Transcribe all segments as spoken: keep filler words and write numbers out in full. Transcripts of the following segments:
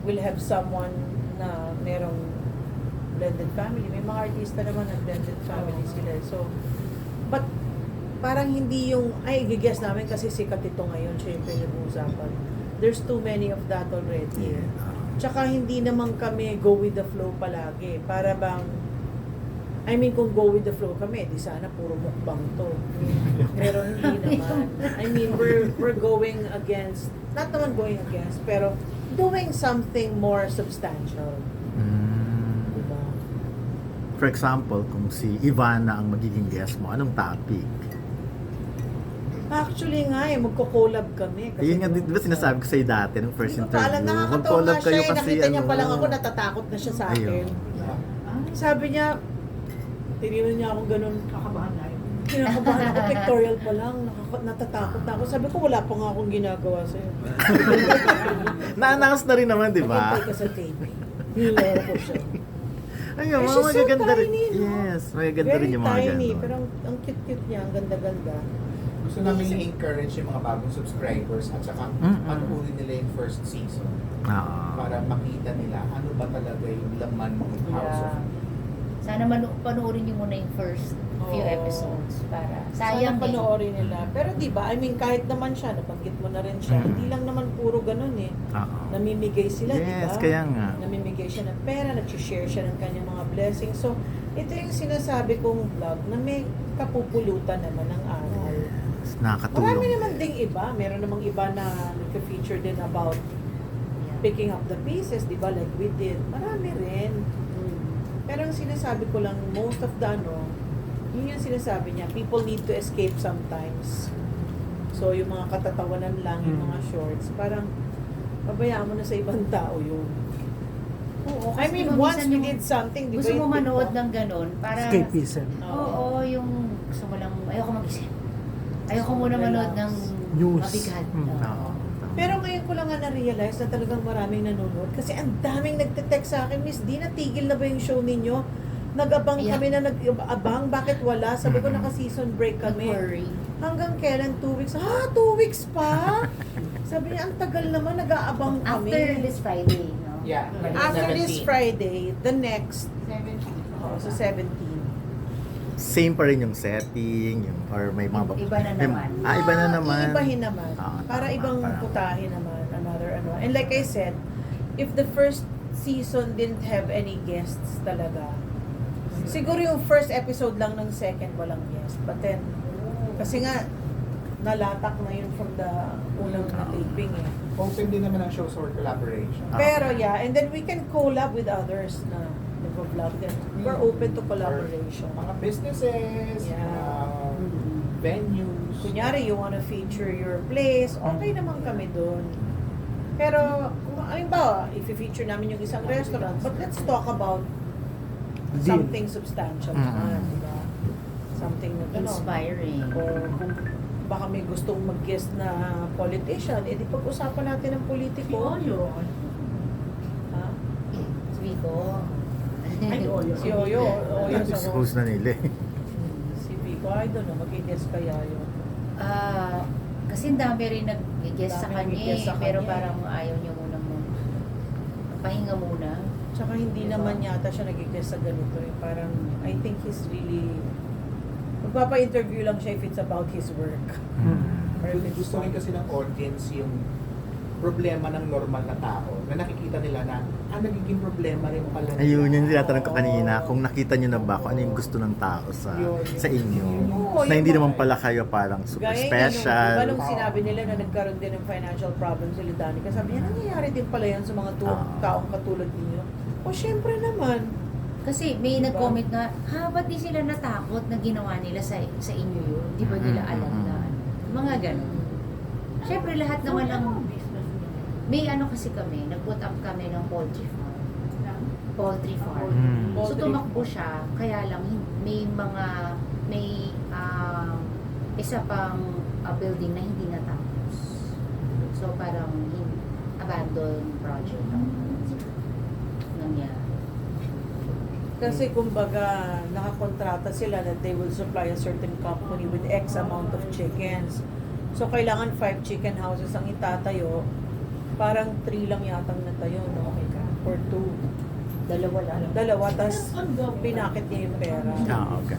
will have someone na merong blended family. May mga artista naman na blended family sila. So, but parang hindi yung, ay, i-guess namin kasi sikat ito ngayon, siya yung pinag-uusapan. There's too many of that already. Yeah. Tsaka hindi naman kami go with the flow palagi. Para bang, I mean, kung go with the flow kami, di sana puro mukbang to. Pero hindi naman. I mean, we're we're going against, not naman going against, pero doing something more substantial. Mm. Diba? For example, kung si Ivana ang magiging guest mo, anong topic? Actually nga eh, magko-collab kami. Ayun nga, di ba sinasabi ko sa'yo dati nung first Hindi ko pa alam, interview? nakakatawa Mag-collab nga siya kayo eh. kasi Nakita niya ano. pa lang ako, natatakot na siya sa akin. Ayun. Sabi niya, tiniwan niya ako ganun. Kakabahan na Kinakabahan ako, pictorial pa lang, nakaka- natatakot na ako. Sabi ko, wala pa nga akong ginagawa sa'yo. Na-announce na rin naman, di ba? Maghintay ka sa taping. Nilaro ko siya. Ayun, Eh, mga she's so magaganda rin. tiny, no? Yes, magaganda Very rin yung mga tiny, ganun. pero ang, ang cute-cute niya, ang ganda-ganda. Gusto namin i-encourage yung mga bagong subscribers at saka Mm-mm. panuorin nila yung first season Oo. para makita nila ano ba talaga yung laman ng House of Yeah. Sana manu- panoorin niyo muna yung first few Oo. episodes para Sana sayang din. panoorin nila. Pero di ba, I mean, kahit naman siya, nabanggit mo na rin siya, Mm. hindi lang naman puro ganun eh. Oo. Namimigay sila, di ba? Yes, kaya nga. Namimigay siya ng pera, nag-share siya ng kanyang mga blessings. So, ito yung sinasabi kong vlog na may kapupulutan naman ng aral. Yes, nakakatulong. Marami naman ding iba. Meron namang iba na nagka-feature din about Yeah. picking up the pieces, di ba? Like we did. Marami rin. Pero ang sinasabi ko lang, most of the ano, yun yung sinasabi niya, people need to escape sometimes. So, yung mga katatawanan lang, yung mga shorts, parang, pabayaan mo na sa ibang tao yun. Oo, I kasi mean, diba once minsan we yung did something, di ba? gusto mo yung manood TikTok? ng ganun para Escapism. Oo, yung gusto mo lang ayoko mag-isip. Ayoko muna manood ng News. mabigat. Mm. Oo. Oo. Pero ngayon ko lang nga na-realize na talagang maraming nanonood. Kasi ang daming nagte-text sa akin, Miss Di, natigil na ba yung show ninyo? Nag-abang Yeah. kami na nag-abang, bakit wala? Sabi ko, Mhm. naka-season break Don't kami. worry. Hanggang kailan? Two weeks? Ha? Two weeks pa? Sabi niya, ang tagal naman, nag-aabang kami. After this Friday, no? Yeah. After this seventeen. Friday, the next, oh, sa seventeen. Same pa rin yung setting, yung, or may mga... Iba na may- naman. Ah, iba na naman. Iibahin naman. Ah, para tama, ibang parang- putahe naman. Another ano. And like I said, if the first season didn't have any guests talaga, siguro yung first episode lang ng second walang guest. But then, kasi nga, nalatak na yun from the unang na taping eh. Open din naman ang shows for collaboration. Ah. Pero yeah, and then we can collab with others na nag-vlog din. We're open to collaboration. Or mga businesses, Yeah. mga Mhm. venues. Kunyari, you wanna feature your place, okay naman kami doon. Pero, kung halimbawa, if-feature namin yung isang restaurant, but let's talk about Deal. something substantial Mm. naman, di ba? Something na gano'n. Inspiring. Or kung baka may gustong mag-guest na politician, edi pag-usapan natin ng politiko. Ha? Vico. Ay, si Oyo. Oyo sa Expose na nila eh. Si Vico, I don't know, mag-guest kaya yun. Ah, kasi ang dami rin nag-guess sa Dami kanya, nag-guess eh, sa pero kanya, parang ayaw niya muna mo. Pahinga muna. Tsaka hindi Diba? naman yata siya nag-guest sa ganito eh. Parang, I think he's really, magpapa-interview lang siya if it's about his work. Mm. Or if it's Gusto rin kasi ng audience yung problema ng normal na tao na nakikita nila na ah, nagiging problema rin pala nila. Ayun, yung tinatanong ko kanina, kung nakita nyo na ba kung ano yung gusto ng tao sa Yun. sa inyo. Oo, na yung hindi mga- naman pala kayo parang super Gaya special. Nga nung, diba nung sinabi nila na nagkaroon din ng financial problems si Danica, sabi niya, nangyayari din pala yan sa mga tu- Ah. taong katulad ninyo. O syempre naman. Kasi may Diba? nag-comment na, ha, ba't di sila natakot na ginawa nila sa sa inyo yun? Di ba nila Mm-mm. alam na ano? Mga ganun. Siyempre lahat naman ng, may ano kasi kami, nag-put up kami ng poultry farm. Poultry farm. Mm. So Poultry tumakbo siya, kaya lang hin- may mga, may um, isa pang uh, building na hindi natapos. So parang hin- abandoned project ang nangyari. Kasi kumbaga, nakakontrata sila that they will supply a certain company with X amount of chickens. So, kailangan five chicken houses ang itatayo. Parang three lang yatang natayo, no? or two. Dalawa lang. Dalawa, tas pinakit niya yung pera. Ah, okay.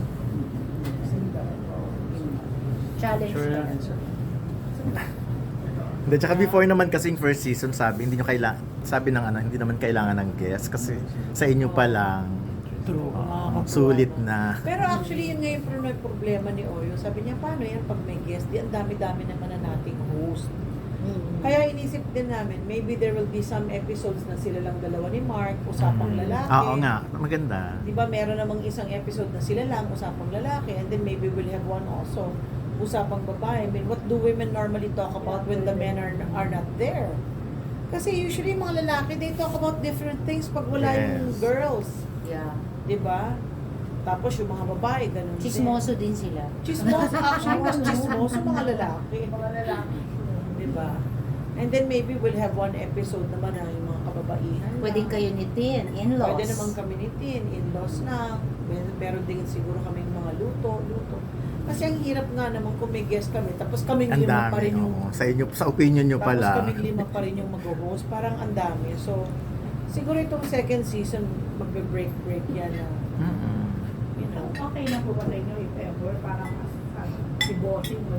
Challenge Sure na lang. yan. Hindi, tsaka before naman kasing first season, sabi, hindi nyo kailangan, sabi ng ano, hindi naman kailangan ng guest kasi sa inyo pa lang, True. uh, sulit na. Pero actually, yun nga yung pro- problema ni Oyo. Sabi niya, paano yan pag may guest? Di, ang dami-dami naman na nating host. Mm. Kaya inisip din namin, maybe there will be some episodes na sila lang dalawa ni Mark, usapang Mm. lalaki. Oo nga, maganda. Di ba meron namang isang episode na sila lang, usapang lalaki, and then maybe we'll have one also, usapang babae. I mean, what do women normally talk about when the men are are not there? Kasi usually mga lalaki, they talk about different things pag wala yung Yes. girls. Yeah. Di ba? Tapos yung mga babae, ganun din. Chismoso din sila. Chismoso, actually, mas chismoso mga lalaki. Mga lalaki. Di ba? And then maybe we'll have one episode naman na yung mga kababaihan. Pwedeng kayo ni Tin, in-laws. Pwede naman kami ni Tin, in-laws na. Mer- Meron din siguro kaming mga luto, luto. Kasi ang hirap nga naman kung may guest kami, tapos kaming Ang lima pa dami, rin yung... oo. Sa inyo, sa opinion nyo Tapos pala. kaming lima pa rin yung mag-host. Parang ang dami. So, siguro itong second season, magbe-break-break yan na, Mm-mm. you know. Okay na po ba sa inyo if ever parang as si bossing mo?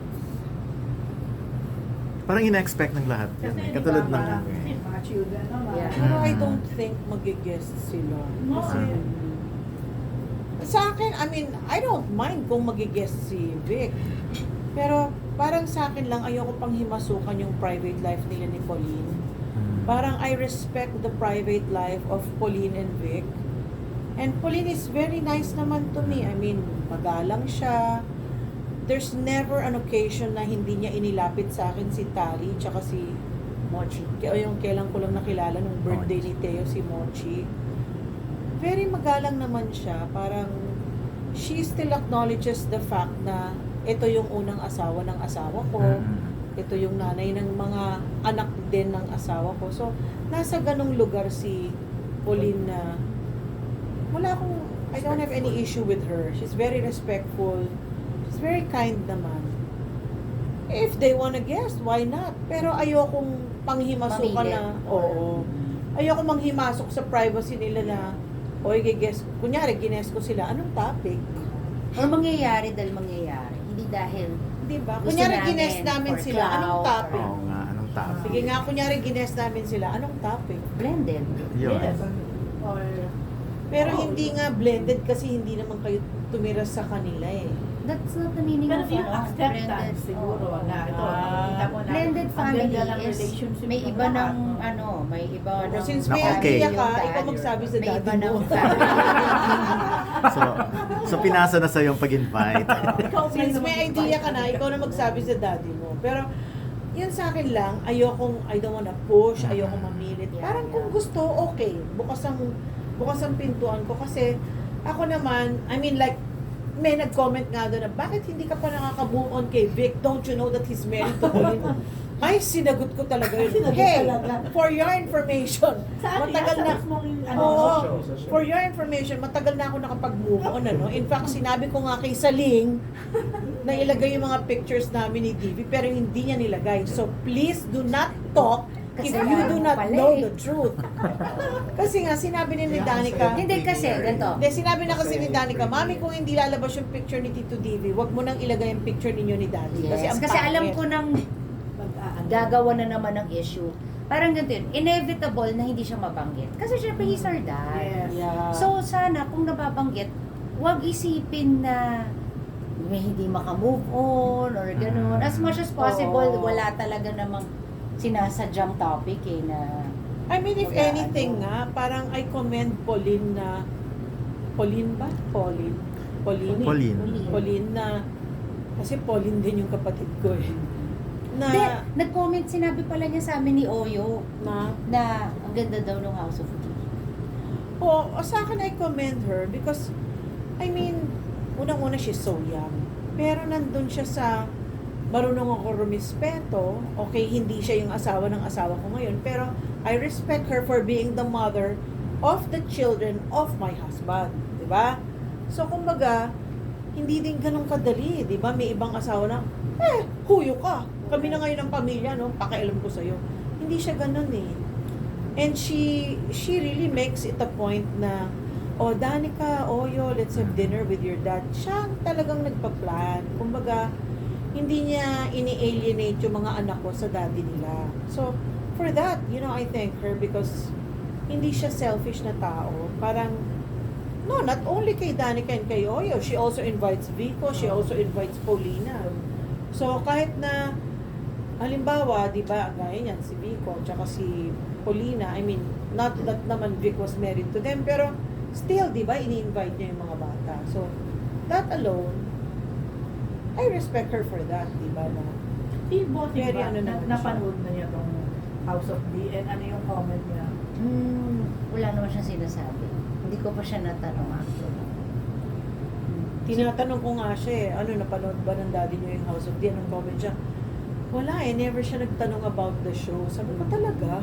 Parang ina-expect ng lahat yun. Kasi eh. di Katulad ba, ng... parang mga children naman. Yeah. Pero I Mm. don't think mag-guest sila. No, Kasi, sa akin, I mean, I don't mind kung mag-guest si Vic. Pero parang sa akin lang, ayoko pang himasukan yung private life nila ni Pauline. Mm. Parang I respect the private life of Pauline and Vic. And Pauline is very nice naman to me. I mean, magalang siya. There's never an occasion na hindi niya inilapit sa akin si Tali tsaka si Mochi. o yung kailan ko lang nakilala nung birthday ni Teo, si Mochi. Very magalang naman siya. Parang she still acknowledges the fact na ito yung unang asawa ng asawa ko. Mm. Ito yung nanay ng mga anak din ng asawa ko. So, nasa ganong lugar si Pauline na wala akong, I don't have any issue with her. She's very respectful. She's very kind naman. If they wanna guest, why not? Pero ayokong panghimasukan Pamilit. na, oo. Ayoko manghimasok sa privacy nila na, o i-guest, kunyari, gines ko sila, anong topic? Or mangyayari dahil mangyayari. Hindi dahil Di ba? Gusto Kunyari, namin gines namin for sila, anong clout, topic? Oo nga, anong topic? Sige nga, kunyari, gines namin sila, anong topic? blended. Yun. Yes. Or, Pero Oo. hindi nga blended kasi hindi naman kayo tumira sa kanila eh. That's not the meaning pero of yung ano, acceptance blended. siguro Oo. na ito, Ah. nakita mo na Blended ang family ganda ng is relationship may ng iba lahat. ng ano, may iba So, ng since Na may okay. idea yung ka, dad, ikaw magsabi sa may daddy iba ng mo. family. So, so pinasa na sa yung pag-invite. Ikaw Since naman may yung idea fight. ka na, ikaw na magsabi sa daddy mo. Pero, yun sa akin lang, ayokong, I don't wanna push, ayokong mamilit. Yeah, Parang kung yeah. gusto, okay. Bukas ang, bukas ang pintuan ko. Kasi, ako naman, I mean like, may nag-comment nga doon na, bakit hindi ka pa nakaka-move on kay Vic? Don't you know that he's married to Pauline? Ay, sinagot ko talaga yun. Sinagot Hey, talaga. for your information, Sa atin, matagal sa na, mismong ano, Oo. sa show, sa show. For your information, matagal na ako nakapag-move on, ano? In fact, sinabi ko nga kay Saling na ilagay yung mga pictures namin ni D V, pero hindi niya nilagay. So, please do not talk if Kasi you do alam mo not pala know eh. the truth. Kasi nga, sinabi ni ni Danica, Hindi kasi, ganito. hindi, sinabi na kasi ni Danica, Mami, kung hindi lalabas yung picture ni Tito D V, wag mo nang ilagay yung picture ninyo ni Daddy. Kasi, Yes, ang kasi alam pangit. ko nang Pag-aano. gagawa na naman ng issue. Parang ganito yun, inevitable na hindi siya mabanggit. Kasi syempre, he's our dad. Yes. Yeah. So, sana, kung nababanggit, huwag isipin na may hindi makamove on or gano'n. As much as possible, Oo. wala talaga namang sinasadyang topic eh na... I mean, if Mag-aano. anything nga, parang I commend Pauline na, Pauline ba? Pauline? Pauline? Pauline. Pauline na, kasi Pauline din yung kapatid ko eh. Na, Hindi, nag-comment, sinabi pala niya sa amin ni Oyo na, na ang ganda daw ng House of Tea. o, o sa akin I commend her because, I mean, unang-una she's so young. Pero nandun siya sa, marunong ako rumispeto. Okay, hindi siya yung asawa ng asawa ko ngayon. Pero, I respect her for being the mother of the children of my husband. Diba? So, kumbaga, hindi din ganun kadali. Diba? May ibang asawa na, eh, huyo ka. Kami na ngayon ang pamilya, no? Pakialam ko sa'yo. Hindi siya ganun eh. And she she really makes it a point na, oh, Danica, Oyo, let's have dinner with your dad. Siya ang talagang nagpa-plan. Kumbaga, hindi niya ini-alienate yung mga anak ko sa daddy nila. So, for that, you know, I thank her because hindi siya selfish na tao. Parang, no, not only kay Danica and kay Oyo, she also invites Vico, she also invites Paulina. So, kahit na, halimbawa, di ba, gaya niyan, si Vico, tsaka si Paulina, I mean, not that naman Vic was married to them, pero still, di ba, ini-invite niya yung mga bata. So, that alone, I respect her for that, di ba, na Si Bossing Very ba, ano na, naman napanood na niya tong House of D and ano yung comment niya? Hmm, wala naman siyang sinasabi. Hindi ko pa siya natanong actually. tinatanong ko nga siya eh, ano, napanood ba ng daddy niyo yung House of D? Anong comment siya? Wala eh, never siya nagtanong about the show. Sabi ko talaga.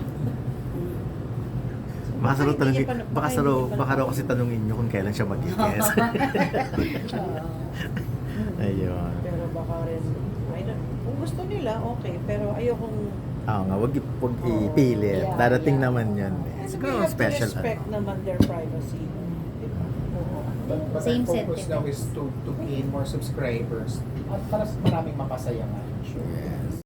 Baka sa raw hindi tanungin, niya pa- baka sa hindi raw, niya pa baka raw napanood. kasi tanungin nyo kung kailan siya mag-guest. Oo. Ayun. Pero baka rin, I don't, kung gusto nila, okay. Pero ayokong, Oo nga, wag, wag Oo. ipilit. Yeah, Darating yeah. naman yun. and Siguro we have special. to respect ano. naman their privacy. Diba? Oo. But, but Same our focus sentiment. now is to to gain more subscribers at para sa maraming mapasaya nga. Sure. Yes.